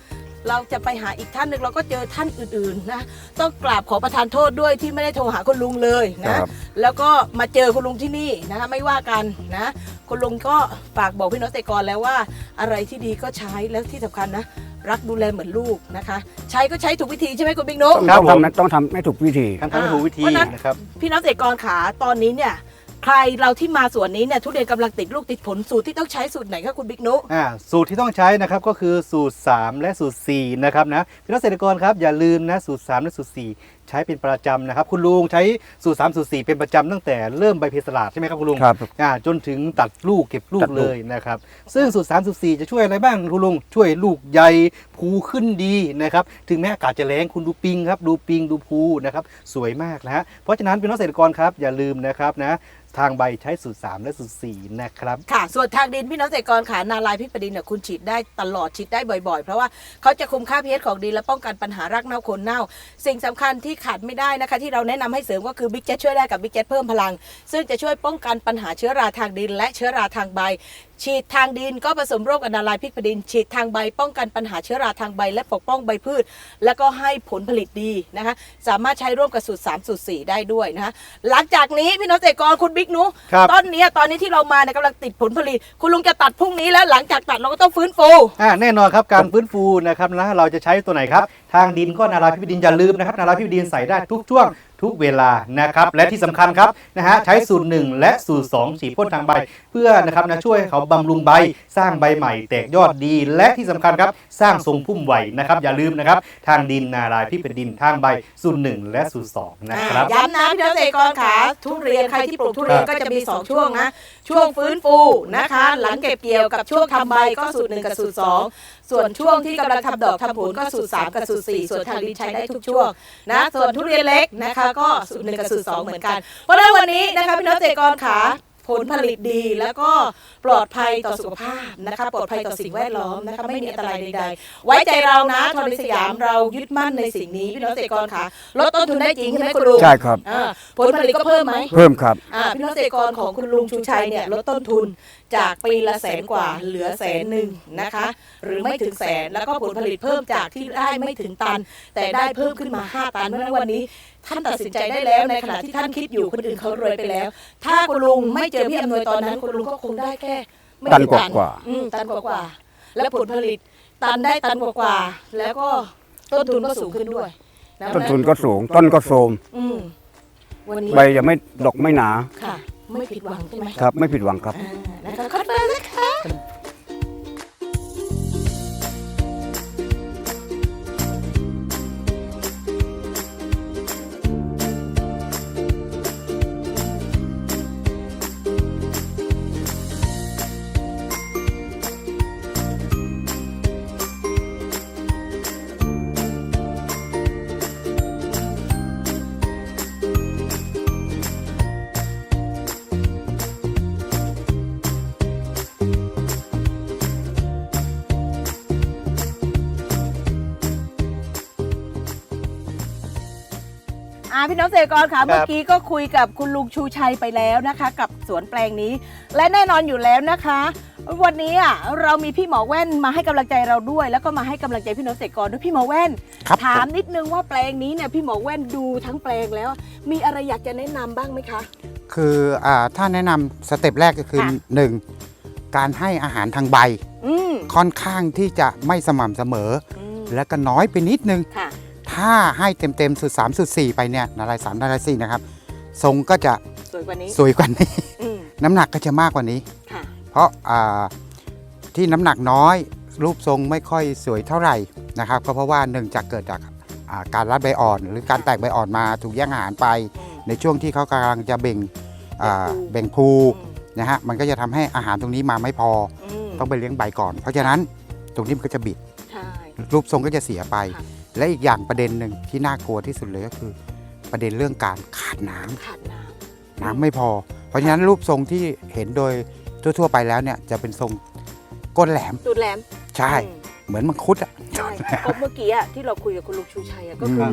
Speaker 1: เราจะไปหาอีกท่านหนึ่งเราก็เจอท่านอื่นๆนะต้องกราบขอประทานโทษด้วยที่ไม่ได้โทรหาคุณลุงเลยนะแล้วก็มาเจอคุณลุงที่นี่นะคะไม่ว่ากันนะคุณลุงก็ฝากบอกพี่น้องเกษตรกรแล้วว่าอะไรที่ดีก็ใช้แล้วที่สำคัญนะรักดูแลเหมือนลูกนะคะใช้ก็ใช้ถูกวิธีใช่ไหมคุณบิ๊กนุ๊ก
Speaker 3: ต้องทำต้องทำให้ถูกวิธี
Speaker 2: การทำให้ถูกวิธีนะครับ
Speaker 1: พี่น้องเกษตรกรขาตอนนี้เนี่ยใครเราที่มาสวนนี้เนี่ยทุเรียนกำลังติดลูกติดผลสูตรที่ต้องใช้สูตรไหนคะคุณบิ๊กนุ๊ก
Speaker 2: อ่าสูตรที่ต้องใช้นะครับก็คือสูตรสามและสูตรสี่นะครับนะพี่น้องเกษตรกรครับอย่าลืมนะสูตรสามและสูตรสี่ใช้เป็นประจำนะครับคุณลุงใช้สูตรสามสูตรสี่เป็นประจำตั้งแต่เริ่มใบเพสลาดใช่ไหมครับคุณลุง
Speaker 3: ครับ
Speaker 2: อ่าจนถึงตัดลูกเก็บลู
Speaker 3: ตั
Speaker 2: ก
Speaker 3: ดลูก
Speaker 2: เลยนะครับซึ่งสูตรสามสูตรสี่จะช่วยอะไรบ้างคุณลุงช่วยลูกใหญ่ภูขึ้นดีนะครับถึงแม้อากาศจะแรงคุณดูปิงครับดูปิงดูภูนะครับสวยมากนะฮะเพราะฉะนั้นพี่น้องเกษตรกรครับอย่าลืมนะครับนะทางใบใช้สูตรสามและสูตรสี่นะครับ
Speaker 1: ค่ะส่วนทางดินพี่น้องเกษตรกรขานาลายพริกประดินเนี่ยคุณฉีดได้ตลอดฉีดได้บ่อยๆเพราะว่าเขาจะคุมค่า พี เอช ของดินและป้องกันปัญหารากเน่าโคนเน่าสิ่งสำคัญที่ขาดไม่ได้นะคะที่เราแนะนำให้เสริมก็คือบิ๊กเจ็ตช่วยได้กับบิ๊กเจ็ตเพิ่มพลังซึ่งจะช่วยป้องกันปัญหาเชื้อราทางดินและเชื้อราทางใบฉีดทางดินก็ผสมร่วมกับนาลายพริกประดินฉีดทางใบป้องกันปัญหาเชื้อราทางใบและปกป้องใบพืชแล้วก็ให้ผลผลิตดีนะคะสามารถใช้ร่วมกับสูตรสามสูตรสี่ได้ด้วยนะคะหลังจากนี้พี่น้องเกษตรกรคุณบิ๊กนุ ต้นนี้ตอนนี้ที่เรามาเนี่ยกำลังติดผลผลิตคุณลุงจะตัดพรุ่งนี้แล้วหลังจากตัดเราก็ต้องฟื้นฟู
Speaker 2: อ่าแน่นอนครับการฟื้นฟูนะครับนะเราจะใช้ตัวไหนครับทางดินก็นาลายพริกประดินอย่าลืมนะครับนาลายพริกประดินใส่ได้ทุกช่วงทุกเวลานะครับและที่สำคัญครับนะฮะใช้สูตรหนึ่งและสูตรสองฉีดพ่นทางใบเพื่อนะครับนะช่วยเขาบำรุงใบสร้างใบใหม่แตกยอดดีและที่สำคัญครับสร้างทรงพุ่มไหวนะครับอย่าลืมนะครับทางดินนาลายพริกประดินทางใบสูตรหนึ่งและสูตรสองนะครับ
Speaker 1: ย้ำนะพี่น้องเกษตรกรขาทุเรียนใครที่ปลูกทุเรียนก็จะมีสองช่วงนะช่วงฟื้นฟูนะคะหลังเก็บเกี่ยวกับช่วงทำใบก็สูตรหนึ่งกับสูตรสองส่วนช่วงที่กำลังทำดอกทำผลก็สูตรสามกับสูตรสี่ส่วนทางดินใช้ได้ทุกช่วงนะส่วนทุเรียนเล็กนะคะก็สูตรหนึ่งกับสูตรสองเหมือนกันเพราะฉะนั้นวันนี้นะคะพี่น้องเกษตรกรขาผลผลิตดีแล้วก็ปลอดภัยต่อสุขภาพนะคะปลอดภัยต่อสิ่งแวดล้อมนะคะไม่มีอันตรายใดๆไว้ใจเรานะธรณีสยามเรายึดมั่นในสิ่งนี้พี่น้องเกษตรกรขาลดต้นทุนได้จริงใช่ไหมคุณลุง
Speaker 3: ใช่ครับ
Speaker 1: ผลผลิตก็เพิ่มไหม
Speaker 3: เพิ่มครับ
Speaker 1: พี่น้องเกษตรกรของคุณลุงชูชัยเนี่ยลดต้นทุนจากปีละแสนกว่าเหลือแสนหนึ่งนะคะหรือไม่ถึงแสนแล้วก็ผลผลิตเพิ่มจากที่ได้ไม่ถึงตันแต่ได้เพิ่มขึ้นมาห้าตันเพราะฉะนั้นวันนี้ท่านตัดสินใจได้แล้วในขณะที่ท่านคิดอยู่คนอื่นเขารวยไปแล้วถ้าคุณลุงไม่เจอพี่อำนวยตอนนั้นคุณลุงก็คงได้แค่ไม่
Speaker 3: ตัน
Speaker 1: กี่
Speaker 3: กว่ากว่า
Speaker 1: อืมตันกว่ากว่าและผลผลิตตันได้ตันกว่ากว่าแล้วก็ต้นทุนก็สูงขึ้นด้วยะ
Speaker 3: ต้นทุนก็สูงต้นก็โทรม
Speaker 1: อืมวันนี้
Speaker 3: ใบจะไม่ดกไม่หนา
Speaker 1: ค่ะไม่ผิดหวังใช่ไหม
Speaker 3: ครับไม่ผิดหวังครับ
Speaker 1: อ่านะคะขอบคุณนะคะ อ่าพี่น้องเกษตรกรค่ะเมื่อกี้ก็คุยกับคุณลุงชูชัยไปแล้วนะคะ กับสวนแปลงนี้ และแน่นอนอยู่แล้วนะคะ วันนี้อ่ะเรามีพี่หมอแว่นมาให้กำลังใจเราด้วย แล้วก็มาให้กำลังใจพี่น้องเกษตรกรด้วยพี่หมอแว่น
Speaker 4: ครับ
Speaker 1: ถามนิดนึงว่าแปลงนี้เนี่ยพี่หมอแว่นดูทั้งแปลงแล้ว มีอะไรอยากจะแนะนำบ้างไหมคะ
Speaker 4: คืออ่าถ้าแนะนำสเต็ปแรกก็คือ
Speaker 1: ค่ะ
Speaker 4: หนึ่งการให้อาหารทางใบ
Speaker 1: อืม
Speaker 4: ค่อนข้างที่จะไม่สม่ำเสมอ
Speaker 1: อืม
Speaker 4: และก็น้อยไปนิดนึง
Speaker 1: ค่ะ
Speaker 4: ถ้าให้เต็มๆสุดสามสุดสี่ไปเนี่ยนาลายสามนาลายสี่นะครับทรงก็จะ
Speaker 1: สวยกว่านี้
Speaker 4: สวยกว่านี้
Speaker 1: อืม
Speaker 4: น้ำหนักก็จะมากกว่านี้
Speaker 1: ค่ะ
Speaker 4: เพราะอ่าที่น้ำหนักน้อยรูปทรงไม่ค่อยสวยเท่าไหร่นะครับก็เพราะว่าหนึ่งจากเกิดจากอ่าการรัดใบอ่อน หรือการแตกใบอ่อนมาถูกแย่งอาหารไป
Speaker 1: อืม
Speaker 4: ในช่วงที่เขากำลังจะเบ่งอ่า
Speaker 1: เบ่งภู
Speaker 4: เบ่งภู
Speaker 1: อืม
Speaker 4: นะฮะมันก็จะทำให้อาหารตรงนี้มาไม่พอ
Speaker 1: อืม
Speaker 4: ต้องไปเลี้ยงใบก่อน เพราะฉะนั้นตรงนี้มันก็จะบิด
Speaker 1: ใช่
Speaker 4: รูปทรงก็จะเสียไป
Speaker 1: ค่ะ
Speaker 4: และอีกอย่างประเด็นหนึ่งที่น่ากลัวที่สุดเลยก็คือ ประเด็นเรื่องการขาดน้ำ
Speaker 1: ขาดน้ำ
Speaker 4: น้ำไม่พอ เพราะฉะนั้นรูปทรงที่เห็นโดยทั่วๆไปแล้วเนี่ยจะเป็นทรงก้นแหลม
Speaker 1: ตูดแหลม
Speaker 4: ใช่
Speaker 1: อืม
Speaker 4: เหมือนมังคุดอ่ะ
Speaker 1: ใช่เพราะเมื่อกี้อะที่เราคุยกับคุณลุงชูชัยอะก็คือ
Speaker 4: ม
Speaker 1: หนึ่ง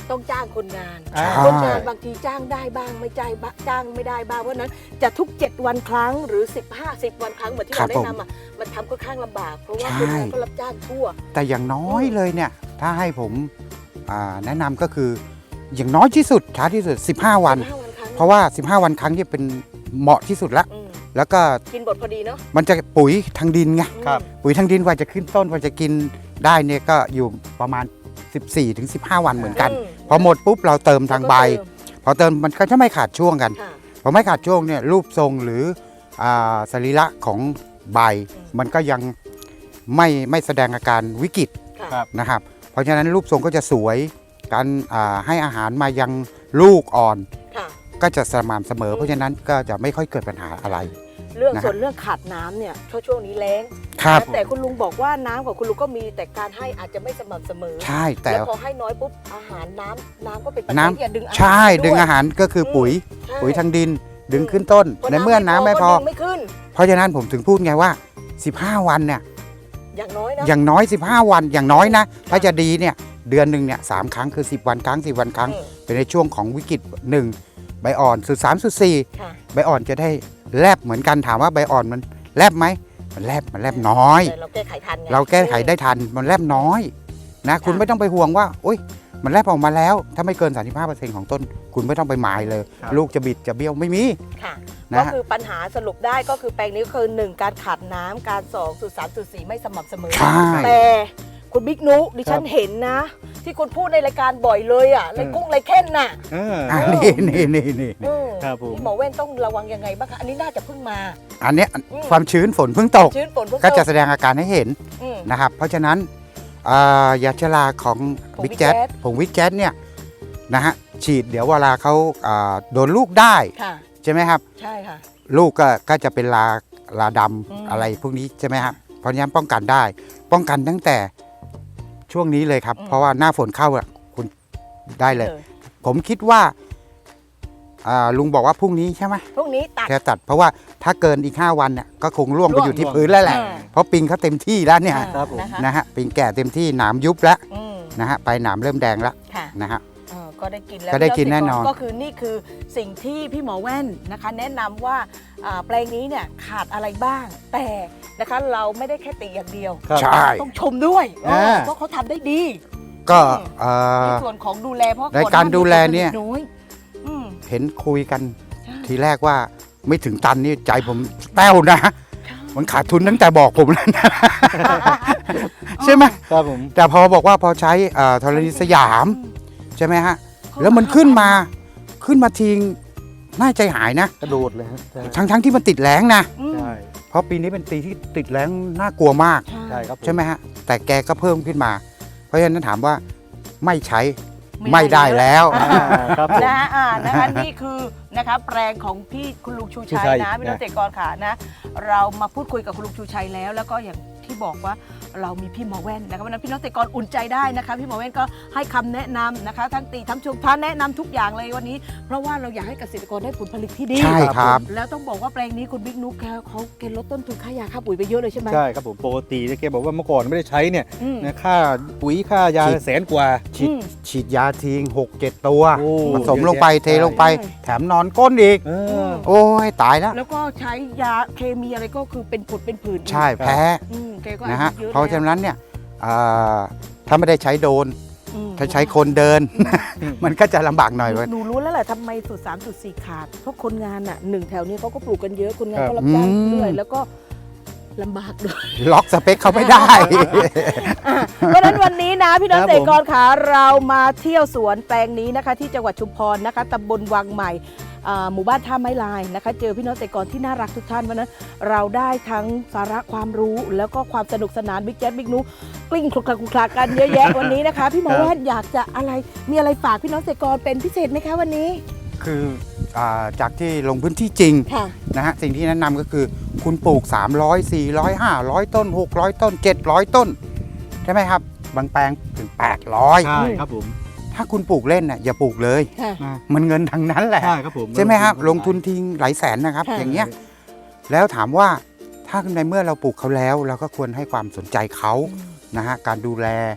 Speaker 1: ต้องจ้างคนงาน
Speaker 2: อ่า
Speaker 1: คนงานบางทีจ้างได้บ้างไม่จ้างบ้างจ้างไม่ได้บ้างเพราะฉะนั้นจะทุกเจ็ดวันครั้งหรือสิบห้า สิบวันครั้งเหมือนที่
Speaker 4: ครั
Speaker 1: เรา
Speaker 4: บ
Speaker 1: แนะ
Speaker 4: ผม
Speaker 1: นำอ่ะมันทำค่อนข้างลำบากเพราะว่า
Speaker 4: ใช่
Speaker 1: คนงานก็รับจ้างทั่ว
Speaker 4: แต่อย่างน้อยเลยเนี่ยถ้าให้ผมอ่าแนะนำก็คืออย่างน้อยที่สุดช้าที่สุดสิบห้าวัน
Speaker 1: สิบห้าวันครั้ง
Speaker 4: เพราะว่าสิบห้าวันครั้งที่เป็นเหมาะที่สุดละ
Speaker 1: อืม
Speaker 4: แล้วก็
Speaker 1: กินบทพอดีเนาะ
Speaker 4: มันจะปุ๋ยทางดินไง
Speaker 2: ครับ
Speaker 4: ปุ๋ยทางดินกว่าจะขึ้นต้นกว่าจะกินได้เนี่ยก็อยู่ประมาณ สิบสี่ถึงสิบห้า วันเหมือนกัน
Speaker 1: อืม
Speaker 4: พอหมดปุ๊บเราเติมทางใบ
Speaker 1: แล้วก็เติม
Speaker 4: พอเติมมันก็จะไม่ขาดช่วงกัน
Speaker 1: ค่ะ
Speaker 4: พอไม่ขาดช่วงเนี่ยรูปทรงหรืออ่าสรีระของใบ
Speaker 1: อืม
Speaker 4: มันก็ยังไม่ไม่แสดงอาการวิกฤต
Speaker 1: ค่ะ
Speaker 2: ครับ
Speaker 4: นะครับ เพราะฉะนั้นรูปทรงก็จะสวยการอ่าให้อาหารมายังลูกอ่อน
Speaker 1: ค่ะ
Speaker 4: ก็จะสม่ำเสมอ เพราะฉะนั้นก็จะไม่ค่อยเกิดปัญหาอะไร
Speaker 1: เรื่อง
Speaker 4: นะฮะ
Speaker 1: ส่วนเรื่องขาดน้ำเนี่ยช่วงช่วงนี้แล้ง
Speaker 4: ครับ
Speaker 1: แต่คุณลุงบอกว่าน้ำของคุณลุงก็มีแต่การให้อาจจะไม่สม่ำเสมอ
Speaker 4: ใช่แต่
Speaker 1: แล้วพอให้น้อยปุ๊บอาหารน้ำน้ำก็เป็นปัจจัย
Speaker 4: น้ำ
Speaker 1: ที่จะดึงอาหาร
Speaker 4: ใช่
Speaker 1: วย
Speaker 4: ดึงอาหารก็คือปุ๋ย
Speaker 1: ใช่
Speaker 4: ปุ๋ยทางดินดึงขึ้นต้น
Speaker 1: พ
Speaker 4: ในเมื่อน้ำไม่พอ
Speaker 1: ก็ดึงไม่ขึ้น
Speaker 4: เพราะฉะนั้นผมถึงพูดไงว่า สิบห้า วันเนี่ย
Speaker 1: อย่างน้อยนะ
Speaker 4: อย่างน้อย สิบห้า วันอย่างน้อยนะ ถ้าจะดีเนี่ยเดือนหนึ่งเนี่ยสามครั้งคือ สิบ วันครั้ง สิบ วันครั้ง
Speaker 1: อืม
Speaker 4: เป็นในช่วงของวิกฤตหนึ่งใบอ่อนสุดสามสุดสี่
Speaker 1: ค่ะ
Speaker 4: ใบอ่อนจะได้แลบเหมือนกันถามว่าใบอ่อนมันแลบไหมมันแลบมันแลบน้อย
Speaker 1: แต่เราแก้ไขทันไง
Speaker 4: เราแก้ไขได้ทันมันแลบน้อยนะคุณไม่ต้องไปห่วงว่าโอ๊ยมันแลบออกมาแล้ว ถ้าไม่เกิน สามสิบห้าเปอร์เซ็นต์ ของต้น คุณไม่ต้องไปหมายเลย
Speaker 2: ครับ
Speaker 4: ลูกจะบิดจะเบี้ยวไม่มี
Speaker 1: ค่ะ
Speaker 4: นะ
Speaker 1: ก็
Speaker 4: ฮะ
Speaker 1: คือปัญหาสรุปได้ก็คือแปลงนี้ก็คือหนึ่งการขาดน้ำการสองสุดสามสุดสี่ไม่สม่ำเสมอ
Speaker 4: ใช่
Speaker 1: แต่คุณบิ๊กนุดิฉัน
Speaker 2: ครับ
Speaker 1: เห็นนะ ที่คุณพูดในรายการบ่อยเลยอ่ะไรกุ้งไรเค้นน่ะ
Speaker 2: เออ
Speaker 4: อ่ะนี่นี่นี่นี่
Speaker 1: เออ
Speaker 2: ครับผม
Speaker 1: พี่หมอเว้นต้องระวังยังไงบ้างคะอันนี้น่าจะเพิ่งมา
Speaker 4: อันเนี้ย
Speaker 1: อืม
Speaker 4: ความชื้นฝนเพิ่งตก
Speaker 1: ชื้นฝนเพิ่ง
Speaker 4: ก็จะ
Speaker 1: ต
Speaker 4: แสดงอาการให้เห็น
Speaker 1: อืม
Speaker 4: นะครับ เพราะฉะนั้นอ่ายาชราของ
Speaker 1: ของ
Speaker 4: บิ๊ก
Speaker 1: Big
Speaker 4: แจ๊
Speaker 1: Jet
Speaker 4: ผงวิกแจ๊เนี่ยนะฮะฉีดเดี๋ยวเวลาเขาอ่าโดนลูกได้
Speaker 1: ค่ะ
Speaker 4: ใช่ไหมครับ
Speaker 1: ใช่ค่ะ
Speaker 4: ลูกก็ก็จะเป็นลาลาดำ
Speaker 1: อืม
Speaker 4: อะไรพวกนี้ใช่ไหมครับเพราะฉะนั้นป้องกันได้ ป้องกันตั้งแต่ช่วงนี้เลยครับ เพราะว่าหน้าฝนเข้าอะคุณได้เลย ผมคิดว่าอ่าลุงบอกว่าพรุ่งนี้ใช่ไหม
Speaker 1: พรุ่งนี้ตัด
Speaker 4: แค่ตัดเพราะว่าถ้าเกินอีกห้าวันเนี่ยก็คงร่วงไป
Speaker 1: ร่วง
Speaker 4: อยู่ที่พื้นแล้วแหละ
Speaker 1: อ่า
Speaker 4: เพราะปิงเขาเต็มที่แล้วเนี่ย
Speaker 1: อ่า
Speaker 2: ครับผม
Speaker 1: นะคะ
Speaker 4: นะฮะปิงแก่เต็มที่หนามยุบแล้ว
Speaker 1: อืม
Speaker 4: นะฮะไปหนามเริ่มแดงแล้ว
Speaker 1: ค่ะ
Speaker 4: นะฮะ
Speaker 1: เออก็ได้กินแล้ว
Speaker 4: ก็ได้กินแน่นอน
Speaker 1: ก็คือนี่คือสิ่งที่พี่หมอแว่นนะคะ แนะนำว่าอ่าแปลงนี้เนี่ยขาดอะไรบ้าง แต่นะคะเราไม่ได้แค่ติอย่างเดียว
Speaker 2: ครับ
Speaker 4: ใช่
Speaker 1: ต้องชมด้วยเออ
Speaker 2: อ่า
Speaker 1: เพราะเขาทำได้ดี
Speaker 4: ก็เอ่
Speaker 1: ใน
Speaker 4: อ
Speaker 1: ส่วนของดูแลเพราะ
Speaker 4: ในการดูแลเนี่ย
Speaker 1: น้อยอืม
Speaker 4: เห็นคุยกัน
Speaker 1: ใช่
Speaker 4: ทีแรกว่าไม่ถึงตันนี่ใจผมแป้วนะ มันขาดทุนตั้งแต่บอกผมแล้วนะ ใช่ไหม
Speaker 2: ครับผม
Speaker 4: แต่พอบอกว่าพอใช้เอ่อธรณีสยามใช่ไหมฮะ แล้วมันขึ้นมาขึ้นมาทิ้งน่าใจหายนะ
Speaker 2: กระโดดเลยครับใช่
Speaker 4: ทั้งทั้งที่มันติดแรงนะ
Speaker 1: อืม
Speaker 2: ใช่
Speaker 4: เพราะปีนี้เป็นปีที่ติดแรงน่ากลัวมาก
Speaker 2: ใช่ครับผ
Speaker 4: ใช่ไหมฮะ แต่แกก็เพิ่มขึ้นมา เพราะฉะนั้นถามว่าไม่ใช้
Speaker 1: ไม่
Speaker 4: ไม่
Speaker 1: ได้
Speaker 4: ได้แล้ว
Speaker 2: อ่าครับผม
Speaker 1: นะฮะอ่านะคะนี่คือนะคะแปลงของพี่คุณลุงชูชัย
Speaker 2: ชูชัย
Speaker 1: นะพี่น้อง
Speaker 2: นะ
Speaker 1: เกษตรกรค่ะนะ เรามาพูดคุยกับคุณลุงชูชัยแล้ว แล้วก็อย่างที่บอกว่าเรามีพี่หมอแว่นนะคะเพราะฉะนั้นพี่น้องเกษตรกรอุ่นใจได้นะคะพี่หมอแว่นก็ให้คำแนะนำนะคะ ทั้งตีทั้งชมท้าแนะนำทุกอย่างเลยวันนี้ เพราะว่าเราอยากให้เกษตรกรได้ผลผลิตที่ดี
Speaker 4: ใช่ครับ
Speaker 1: แล้วต้องบอกว่าแปลงนี้คุณบิ๊กนุ๊กแกเขาแกลดต้นทุนค่ายาค่าปุ๋ยไปเยอะเลยใช่ไหม
Speaker 2: ใช่ครับผมปกติเนี่ยแกบอกว่าเมื่อก่อนไม่ได้ใช้เนี่ย
Speaker 1: อืม
Speaker 2: นะค่าปุ๋ยค่ายา
Speaker 4: ฉีด
Speaker 2: แสนกว่า
Speaker 4: ฉีด
Speaker 1: อืม
Speaker 4: ฉีดยาทิ้งหกเจ็ดตัว
Speaker 2: โอ้
Speaker 4: ผสมลงไป
Speaker 2: เยอะแยะ
Speaker 4: เทลงไป
Speaker 1: ใช่
Speaker 4: แถมนอนก้นอีก
Speaker 2: เออ
Speaker 4: โอ้ยตายแล้ว
Speaker 1: แล้วก็ใช้ยาเคมีอะไรก็คือเป็นผดเป็นผื่นอีก
Speaker 4: ใช่แพ้
Speaker 1: อืมแกก็
Speaker 4: นะฮะ
Speaker 1: อายุเยอะ
Speaker 4: เพราะฉะ
Speaker 1: แล้ว
Speaker 4: นั้นเนี่ยอ่าถ้าไม่ได้ใช้โดรน
Speaker 1: อืม
Speaker 4: ถ้าใช้คนเดิน มันก็จะลำบากหน่อย
Speaker 1: หนู
Speaker 4: เว้ย
Speaker 1: หนูรู้แล้วแหละทำไมสูตรสามสูตรสี่ขาด เพราะคนงานอ่ะหนึ่งแถวนี้เขาก็ปลูกกันเยอะ คนงาน
Speaker 2: ครับ
Speaker 1: ก็รับจ้าง
Speaker 4: อืม
Speaker 1: ด้วยแล้วก็ลำบากด้วย
Speaker 4: ล็อกสเปคเขาไม่ได้
Speaker 1: อ่ะเพราะฉะนั้นวันนี้นะพี่น้อง
Speaker 2: ครับ
Speaker 1: เกษตรกรขาเรามาเที่ยวสวนแปลงนี้นะคะ ที่จังหวัดชุมพรนะคะตำบลวังใหม่อ่าหมู่บ้านท่าไม้ลายนะคะ เจอพี่น้องเกษตรกรที่น่ารักทุกท่านเพราะฉะนั้นเราได้ทั้งสาระความรู้แล้วก็ความสนุกสนานบิ๊กแจ๊ดบิ๊กนุกลิ้งคลุกคลักคลุกคลักกันเยอะแยะ วันนี้นะคะ พี่หมอ
Speaker 2: ครับ
Speaker 1: แว่นอยากจะอะไรมีอะไรฝากพี่น้องเกษตรกรเป็นพิเศษไหมคะวันนี้
Speaker 4: คืออาจากที่ลงพื้นที่จริง
Speaker 1: ค่ะ
Speaker 4: นะฮะสิ่งที่แนะนำก็คือคุณปลูก สามร้อย สี่ร้อย ห้าร้อย ต้น หกร้อย ต้น เจ็ดร้อย ต้น ใช่ไหมครับ บางแปลงถึง แปดร้อย
Speaker 2: ใช่ครับผม
Speaker 4: ถ้าคุณปลูกเล่นน่ะอย่าปลูกเลย
Speaker 1: ค่ะ
Speaker 4: มันเงินทั้งนั้นแหละ
Speaker 2: ใช่ครับผม
Speaker 4: ใช่ไหมครับ ลงทุนทิ้งหลายแสนนะครับ
Speaker 1: ค่ะ
Speaker 4: อย่างเงี้ยแล้วถามว่าถ้าในเมื่อเราปลูกเขาแล้ว เราก็ควรให้ความสนใจเขานะฮะการดูแล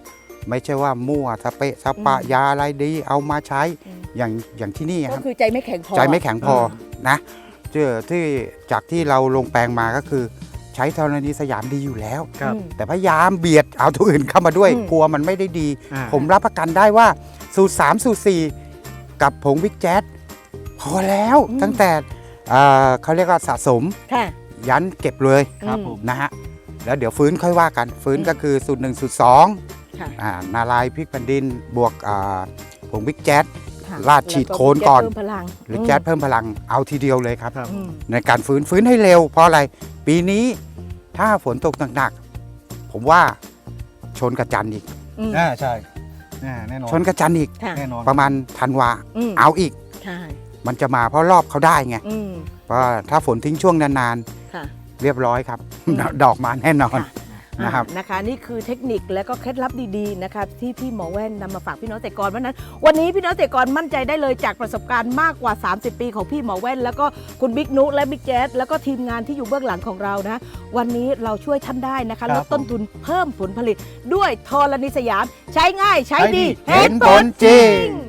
Speaker 4: ไม่ใช่ว่ามั่วสเปะสปะยาอะไรดีเอามาใช้อย่างอย่างที่นี่ค
Speaker 1: ก็
Speaker 4: รับ
Speaker 1: คือใจไม่แข็งพอ
Speaker 4: ใจไม่แข็งพอนะเจอที่จากที่เราลงแปลงมาก็คือ ใช้ธรณีสยามดีอยู่แล้ว
Speaker 2: ครับ
Speaker 4: แต่พยายามเบียดเอาตัวอื่นเข้ามาด้วย
Speaker 1: อืม
Speaker 4: กลัวมันไม่ได้ดี
Speaker 2: อ่า
Speaker 4: ผมรับประกันได้ว่าสูตรสามสูตรสี่กับผงวิกแจ๊สพอแล้วตั้งแต่เอ่อเขาเรียกว่าสะสม
Speaker 1: ค่ะ
Speaker 4: ยันเก็บเลย
Speaker 2: ครับผม
Speaker 4: นะฮะแล้วเดี๋ยวฟื้นค่อยว่ากัน ฟื้น
Speaker 1: อืม
Speaker 4: ก็คือสูตรหนึ่งสูตรสอง
Speaker 1: ค่ะ
Speaker 4: อ่านาลายพริกแผ่นดินบวกอ่าผงวิกแจ๊ส
Speaker 1: ค่ะ
Speaker 4: ลาดฉีดโคนก่อน
Speaker 1: เพิ่มพลัง
Speaker 4: หรือแจ๊สเพิ่มพลังเอาทีเดียวเลยครับ
Speaker 2: ครับ
Speaker 1: อืม
Speaker 4: ในการฟื้นฟื้นให้เร็วเพราะอะไร ปีนี้ถ้าฝนตกหนักๆผมว่าชนกระจันอีก
Speaker 1: อืม
Speaker 2: อ่าใช่อ่าแน่นอน
Speaker 4: ชนกระจันอีก
Speaker 1: ค่ะ
Speaker 2: แน่นอน
Speaker 4: ประมาณธันวา
Speaker 1: อืม
Speaker 4: เอาอีก
Speaker 1: ใช่
Speaker 4: มันจะมาเพราะรอบเขาได้ไง
Speaker 1: อืม
Speaker 4: เพราะว่าถ้าฝนทิ้งช่วงนาน
Speaker 1: ค่ะ
Speaker 4: ๆ เรียบร้อยครับ
Speaker 1: อืม
Speaker 4: ดอกมาแน่นอน
Speaker 1: ค่ะ
Speaker 4: นะครับ
Speaker 1: อ่านะคะนี่คือเทคนิคและก็เคล็ดลับดีๆนะคะที่พี่หมอแว่นนำมาฝากพี่น้องเกษตรกรเพราะฉะนั้นวันนี้พี่น้องเกษตรกรมั่นใจได้เลยจากประสบการณ์มากกว่า สามสิบ ปีของพี่หมอแว่น แล้วก็คุณบิ๊กนุและบิ๊กแจ๊สแล้วก็ทีมงานที่อยู่เบื้องหลังของเรานะวันนี้เราช่วยท่านได้นะคะ
Speaker 2: ครั
Speaker 1: ล
Speaker 2: บ
Speaker 1: ดต้นทุนเพิ่มผลผลิตด้วยธรณีสยาม ใช้ง่ายใช้ดี
Speaker 4: เห็นผลจริง